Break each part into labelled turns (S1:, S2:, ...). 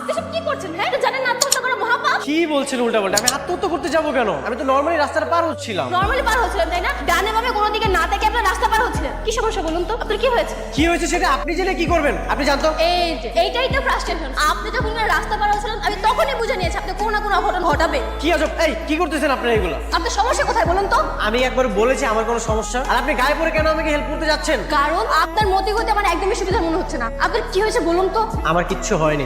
S1: আপনি সব কি করছেন? হ্যাঁ, এটা জানেন না আত্মহত্যা করা মহাপাপ?
S2: কি বলছেন উল্টাপাল্টা? আমি আত্মহত্যা করতে যাবো কেন? আমি তো নর্মালি রাস্তাটা পার হচ্ছিলাম।
S1: নরমালি পার হচ্ছিলেন তাই না? ডানে বামে কোনো দিকে না থেকে আপনার রাস্তা পার হচ্ছিলেন। কি সমস্যা বলুন তো? আপনার কি হয়েছে?
S2: কি হয়েছে সেটা আপনি জেনে কি করবেন? আপনি জানতো?
S1: এই যে এইটাই তো ফ্রাস্ট্রেশন। আপনি যখন রাস্তা পার হচ্ছিলেন আমি তখনই বুঝে নিয়েছি আপনি কোনো না কোনো অঘটন ঘটাবে।
S2: কি আজব! এই কি করতেছেন আপনারা এগুলো?
S1: আপনার সমস্যা কোথায় বলুন তো?
S2: আমি একবার বলেছি আমার কোনো সমস্যা, আর আপনি গায়ে পড়ে কেন আমাকে হেল্প করতে যাচ্ছেন?
S1: কারণ আপনার মতিগতি আমার একদমই সুবিধা মনে হচ্ছে না। আপনার কি হয়েছে বলুন তো?
S2: আমার কিচ্ছু হয়নি।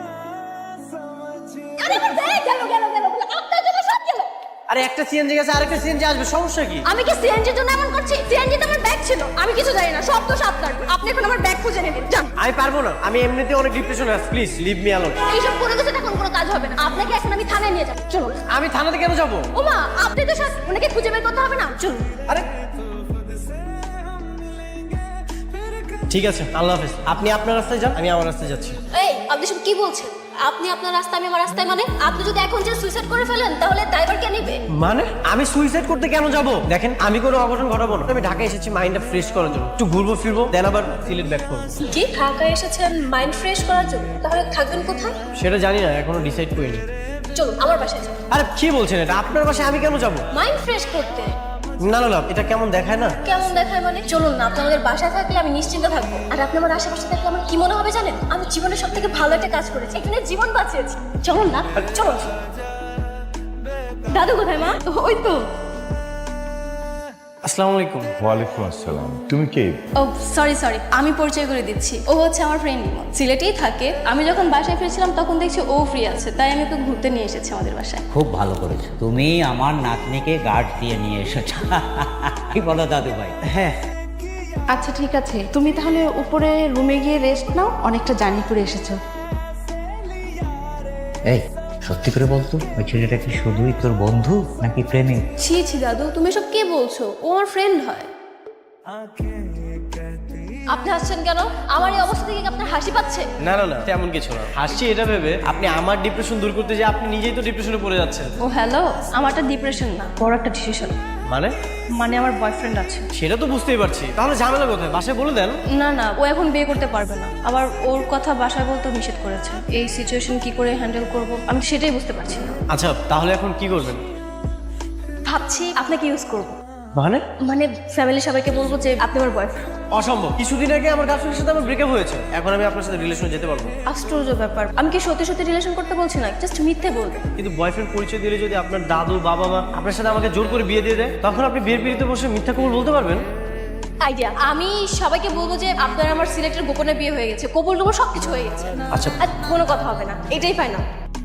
S1: আরে আমার ব্যাগ গেল গেল গেল বলে আপনার জন্য সব গেল।
S2: আরে একটা সিএনজি গেছে, আরেকটা সিএনজি আসবে, সমস্যা কি?
S1: আমি কি সিএনজির জন্য এমন করছি? সিএনজিতে আমার ব্যাগ ছিল, আমি কিছু জানি না, সব দোষ আপনার। আপনি এখন আমার ব্যাগ খুঁজে নিন, যান।
S2: আমি পারবো না, আমি এমনিতে অনেক ডিপ্রেশনে আছি, প্লিজ লিভ মি অ্যালোন।
S1: এইসব করে গেছেন এখন কোনো কাজ হবে না। আপনাকে এখন আমি থানায় নিয়ে যাব, চলুন।
S2: আমি থানাতে কেন যাবো?
S1: ওমা, আপনি তো সব ওনাকে খুঁজে বের করতে হবে না, চলুন।
S2: আরে ঠিক আছে, আল্লাহ হাফেজ। আপনি আপনার রাস্তায় যান, আমি আমার রাস্তায় যাচ্ছি।
S1: এই, আপনি সব কি বলছেন? আপনি আপনার রাস্তা, আমি আমার রাস্তায়, মানে আপনি যদি এখন যে সুইসাইড করে ফেলেন তাহলে ড্রাইভার কে নেবে?
S2: মানে আমি সুইসাইড করতে কেন যাব? দেখেন, আমি কোনো অঘটন ঘটাবো না। আমি ঢাকায় এসেছি মাইন্ডটা ফ্রেশ করার জন্য, একটু ঘুরবো ফিরবো, দেন আবার সিলেট ব্যাক করবো।
S1: কি ঢাকায় এসেছেন মাইন্ড ফ্রেশ করার জন্য? তাহলে থাকবেন কোথায়?
S2: সেটা জানি না, এখনো ডিসাইড করিনি।
S1: চলুন আমার বাসায় যান।
S2: আরে কি বলছেন এটা? আপনার বাসায় আমি কেন যাব?
S1: মাইন্ড ফ্রেশ করতে।
S2: না না না, এটা কেমন দেখায় না?
S1: কেমন দেখায় মানে? চলুন না, আপনি আমাদের বাসায় থাকলে আমি নিশ্চিন্ত থাকবো। আর আপনি আমার আশেপাশে থাকলে আমার কি মনে হবে জানেন? আমি জীবনে সব থেকে ভালো একটা কাজ করেছি, এখানে জীবন বাঁচিয়েছি। চলুন না, চলুন। দাদু কোথায় মা? ওই তো।
S2: আসসালামু আলাইকুম।
S3: ওয়ালাইকুম আসসালাম। তুমি কে?
S1: ও সরি সরি, আমি পরিচয় করে দিচ্ছি। ও হচ্ছে আমার ফ্রেন্ড ইমন, সিলেটেই থাকে। আমি যখন বাসায় ফিরছিলাম তখন দেখছি ও ফ্রি আছে, তাই আমি ওকে ঘুরতে নিয়ে এসেছি আমাদের বাসায়।
S4: খুব ভালো করেছো, তুমি আমার নাতনিকে গার্ড দিয়ে নিয়ে এসেছো। কি বলো দাদু ভাই?
S2: হ্যাঁ
S5: আচ্ছা ঠিক আছে, তুমি তাহলে উপরে রুমে গিয়ে রেস্ট নাও, অনেকটা জার্নি করে এসেছো।
S4: এই সত্যি করে বলতো, ওই ছেলেটা কি শুধুই তোর বন্ধু নাকি প্রেমিক?
S1: ছি ছি দাদু, তুমি সব কে বলছো? ও আমার ফ্রেন্ড হয়। আপনি হাসছেন কেন? আমার এই অবস্থা থেকে কি আপনার হাসি পাচ্ছে?
S2: না না না, তেমন কিছু না। হাসছি এটা ভেবে আপনি আমার ডিপ্রেশন দূর করতে যে আপনি নিজেই তো ডিপ্রেশনে পড়ে যাচ্ছেন।
S1: ও হ্যালো, আমারটা ডিপ্রেশন না, বড় একটা ডিসিশন।
S2: মানে?
S1: মানে আমার বয়ফ্রেন্ড আছে।
S2: সেটা তো বুঝতেই পারছি, তাহলে ঝামেলা কোথায়? বাসায় বলে দেন।
S1: না না, ও এখন বিয়ে করতে পারবে না। আবার ওর কথা বাসায় বলতে নিষেধ করেছে। এই সিচুয়েশন কি করে হ্যান্ডেল করব আমি সেটাই বুঝতে পারছি না।
S2: আচ্ছা তাহলে এখন কি করবেন?
S1: ভাবছি আপনাকে ইউজ করব।
S2: মানে?
S1: মানে ফ্যামিলি সবাইকে বলবো যে আপনি আমার বয়ফ্রেন্ড।
S2: অসম্ভব। কিছুদিন আগে আমার গার্লফ্রেন্ডের সাথে আমার ব্রেকআপ হয়েছে, এখন আমি আপনার সাথে রিলেশনে যেতে পারবো?
S1: আশ্চর্য ব্যাপার, আমি কি সত্যি সত্যি রিলেশন করতে বলছি না, জাস্ট মিথ্যে বলবো।
S2: কিন্তু বয়ফ্রেন্ড পরিচয় দিলে যদি আপনার দাদু বাবা মা আপনার সাথে আমাকে জোর করে বিয়ে দিয়ে দেয়, তখন আপনি বিয়ের পিড়িতে বসে মিথ্যা কবুল বলতে পারবেন?
S1: আইডিয়া, আমি সবাইকে বলবো যে আপনার আমার সিলেক্টের গোপনে বিয়ে হয়ে গেছে, কবুল টবুল সবকিছু হয়ে গেছে।
S2: আচ্ছা।
S1: আর কোনো কথা হবে না, এটাই ফাইনাল।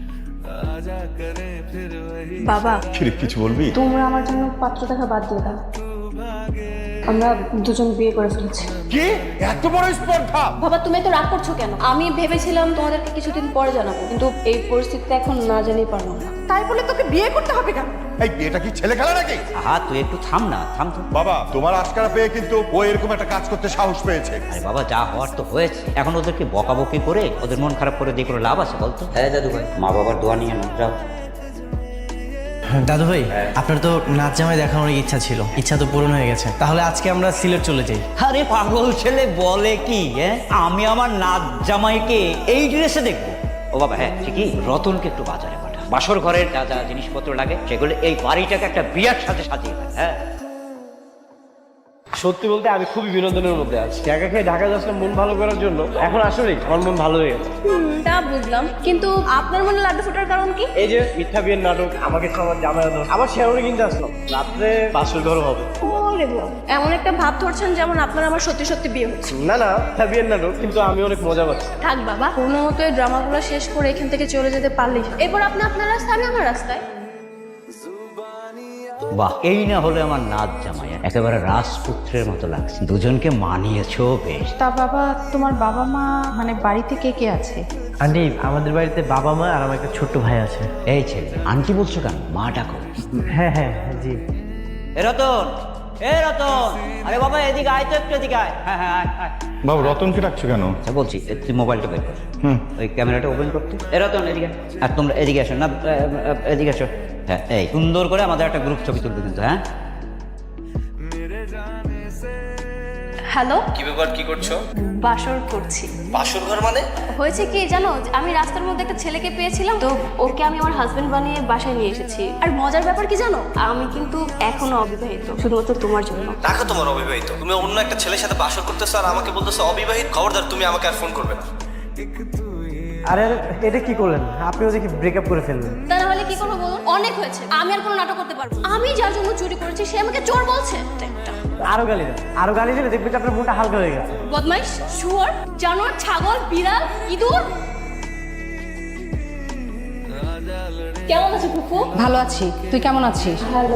S5: বাবা,
S3: ছেলে কিছু বলবি?
S5: তোমরা আমার জন্য পাত্র দেখা বাদ দিয়ে দাও, আমরা দুজন বিয়ে করে ফেলেছি।
S3: কি এত বড় স্পর্ধা?
S1: বাবা তুমি তো রাগ করছো কেন? আমি ভেবেছিলাম তোমাদেরকে কিছুদিন পরে জানাবো, কিন্তু এই পরিস্থিতিতে এখন না জানিয়ে পারলাম না।
S5: তাই বলে তোকে বিয়ে করতে হবে কেন?
S3: এই বিয়েটা কি ছেলে খেলা নাকি?
S4: আহা তুই একটু থাম না, থাম তো।
S3: বাবা, তোমার আশকারা পেয়ে কিন্তু ও এরকম একটা কাজ করতে সাহস পেয়েছে।
S4: আরে বাবা, যা হওয়ার তো হয়েছে, এখন ওদেরকে বকাবকি করে ওদের মন খারাপ করে দিয়ে কোনো লাভ আছে বলতো? হ্যাঁ দাদু ভাই, মা বাবার দোয়া নিয়ে না, যাও।
S2: দাদু ভাই, আপনার তো নাচ জামাই দেখানোর ইচ্ছা ছিল, ইচ্ছা তো পূরণ হয়ে গেছে। তাহলে আজকে আমরা সিলেট চলে যাই।
S4: আরে পাগল ছেলে বলে কি, হ্যাঁ আমি আমার নাচ জামাইকে এই ড্রেসে দেখবো? ও বাবা হ্যাঁ ঠিকই, রতনকে একটু বাজারে পাঠা, বাসর ঘরের যা যা জিনিসপত্র লাগে সেগুলো এই বাড়িটাকে একটা বিয়ার সাথে সাজিয়ে দেয়। হ্যাঁ
S2: সত্যি বলতে আমি খুবই বিনোদনের মধ্যে আছি। একা খেয়ে ঢাকা যাচ্ছিলাম মন ভালো করার জন্য, এখন আসলেই আমার মন ভালো হয়ে গেছে।
S1: তা বুঝলাম, কিন্তু আপনার মনে লাড্ডু ফোটার কারণ কি?
S2: এই যে মিথ্যা বিয়ের নাটক, আমাকে খাবার জামাই আদর, আবার শেয়ারে কিনতে আসলাম, রাত্রে বাসর ঘর হবে।
S1: ওরে বাবা, এমন একটা ভাব ধরছেন যেমন আপনার আমার সত্যি সত্যি বিয়ে হচ্ছে।
S2: না না, মিথ্যা বিয়ের নাটক, কিন্তু আমি অনেক মজা পাচ্ছি।
S1: থাক বাবা, কোনো মতো এই ড্রামাগুলো শেষ করে এখান থেকে চলে যেতে পারলেই হয়। এরপর আপনি আপনার রাস্তায়, আমি আমার রাস্তায়।
S4: বাহ, এই না হলে আমার নাচ জামাই, একেবারে রাজপুত্রের মতো লাগছে, দুজনকে মানিয়েছো বেশ।
S5: তা বাবা, তোমার বাবা মা মানে বাড়িতে কে কে আছে?
S2: আন্টি, আমাদের বাড়িতে বাবা মা আর আমার একটা ছোট্ট ভাই আছে।
S4: এই ছেলে আন্টি বলছো কেন, মা ডাকো।
S2: হ্যাঁ হ্যাঁ জি।
S4: এ রতন, এ রতন, আরে বাবা এদিকে আয় তো, একটু এদিকে আয়। হ্যাঁ হ্যাঁ আয় আয়।
S3: বাবু, রতনকে ডাকছো কেন?
S4: আচ্ছা বলছি, তুই মোবাইলটা বের কর, ওই ক্যামেরাটা ওপেন করতে। এ রতন এদিকে, আর তোমরা এদিকে আসো না, এদিকে আসো। হ্যাঁ এই সুন্দর করে আমাদের একটা গ্রুপ ছবি তুলবে কিন্তু। হ্যাঁ
S1: হ্যালো,
S2: কি ব্যাপার, কি করছো?
S1: বাসর করছি।
S2: বাসর ঘর মানে?
S1: হয়েছে কি জানো, আমি রাস্তার মধ্যে একটা ছেলেকে পেয়েছিলাম, তো ওকে আমি আমার হাজবেন্ড বানিয়ে বাসায় নিয়ে এসেছি। আর মজার ব্যাপার কি জানো, আমি কিন্তু এখনো অবিবাহিত, শুধুমাত্র তোমার জন্য।
S2: রাখো তোমার অবিবাহিত, তুমি অন্য একটা ছেলের সাথে বাসর করতেছো আর আমাকে বলতেছো অবিবাহিত। খবরদার, তুমি আমাকে আর ফোন করবে না। আরে এটা কি করলেন? আপনিও দেখি ব্রেকআপ করে ফেললেন।
S1: তা না হলে কি করবো বলুন? অনেক হয়েছে, আমি আর কোনো নাটক করতে পারবো না। আমি যার জন্য চুরি করেছি সে আমাকে চোর বলছে।
S2: আরো গালি দেন, আরো গালি দিলে দেখবে যে আপনার মনটা হালকা হয়ে গেছে।
S1: বদমাইশ, শুয়োর, জানোয়ার, ছাগল, বিড়াল, ইঁদুর। কেমন আছো ফুফু?
S5: ভালো আছি, তুই কেমন আছিস?
S1: ভালো।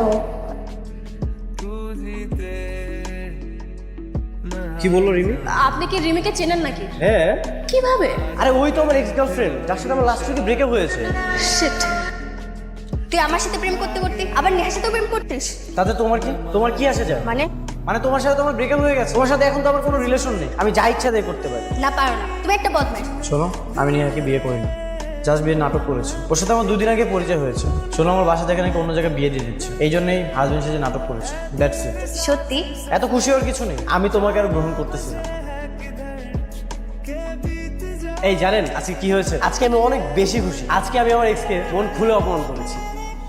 S2: কি বললো রিমি?
S1: আপনি কি রিমিকে চেনেন নাকি?
S2: হ্যাঁ।
S1: কিভাবে?
S2: আরে ওই তো আমার এক্স গার্লফ্রেন্ড, যার সাথে আমার লাস্ট উইকে ব্রেকআপ হয়েছে।
S1: শিট, তুই আমার সাথে প্রেম করতে করতে আবার নেহার সাথেও প্রেম করতিস?
S2: তাতে তোমার কি? তোমার কি আসে যায়? মানে তোমার সাথে তো আমার ব্রেকআপ হয়ে গেছে, তোমার সাথে এখন তো আমার কোনো রিলেশন নেই, আমি যা ইচ্ছা তাই করতে পারি।
S1: না, পারো না, তুমি একটা বদমাইশ।
S2: শোনো, আমি নিহাকে বিয়ে করিনি, জাস্ট বিয়ে নাটক করেছি। ওর সাথে আমার 2 দিন আগে পরিচয় হয়েছে। শোনো, আমার বাসা থেকে নাকি অন্য জায়গায় বিয়ে দিয়ে দিচ্ছে, এই জন্যই হাজবেন্ড সেজে নাটক করেছে। That's it.
S1: সত্যি?
S2: এত খুশি হওয়ার কিছু নেই, আমি তোমাকে আর গ্রহণ করতেছি না। এই জানেন আজকে কি হয়েছে? আজকে আমি অনেক বেশি খুশি। আজকে আমি আমার এক্সকে মন খুলে অপমান করেছি।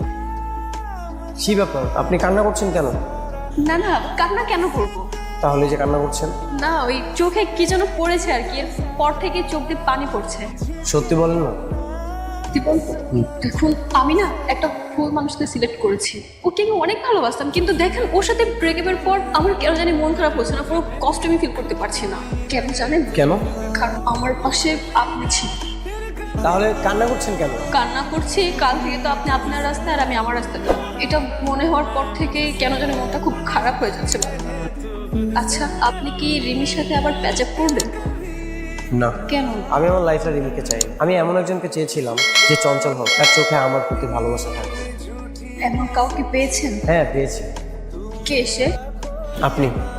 S2: কি ব্যাপার, আপনি কান্না করছেন কেন?
S1: না না, কান্না কেন করবো?
S2: তাহলে যে কান্না করছেন?
S1: না, ওই চোখে কি যেন পড়েছে আর কি, এরপর থেকে চোখ দিয়ে পানি পড়ছে।
S2: সত্যি বলেন না।
S1: দেখুন, আমি না একটা ভুল মানুষকে সিলেক্ট করেছি। ওকে আমি অনেক ভালোবাসতাম, কিন্তু দেখেন ওর সাথে ব্রেকআপের পর আমার কেন জানি মন খারাপ হচ্ছে না, পুরো কষ্ট আমি ফিল করতে পারছি না। কেন জানেন?
S2: কেন?
S1: কারণ আমার পাশে আপনি ছিলেন।
S2: তাহলে কান্না করছেন কেন?
S1: কান্না করছি, কাল থেকে তো আপনি আপনার রাস্তায় আর আমি আমার রাস্তায়। এটা মনে হওয়ার পর থেকে কেন জানি মনটা খুব খারাপ হয়ে যাচ্ছে। আচ্ছা, আপনি কি রিমির সাথে আবার প্যাচ আপ করবেন?
S2: না।
S1: কেন?
S2: আমি আমার লাইফে রিমিকে চাই। আমি এমন একজনকে চেয়েছিলাম যে চঞ্চল হোক, তার চোখে আমার প্রতি ভালোবাসা থাকবে।
S1: এমন কাউকে পেয়েছেন?
S2: হ্যাঁ, পেয়েছি।
S1: কে সে?
S2: আপনি।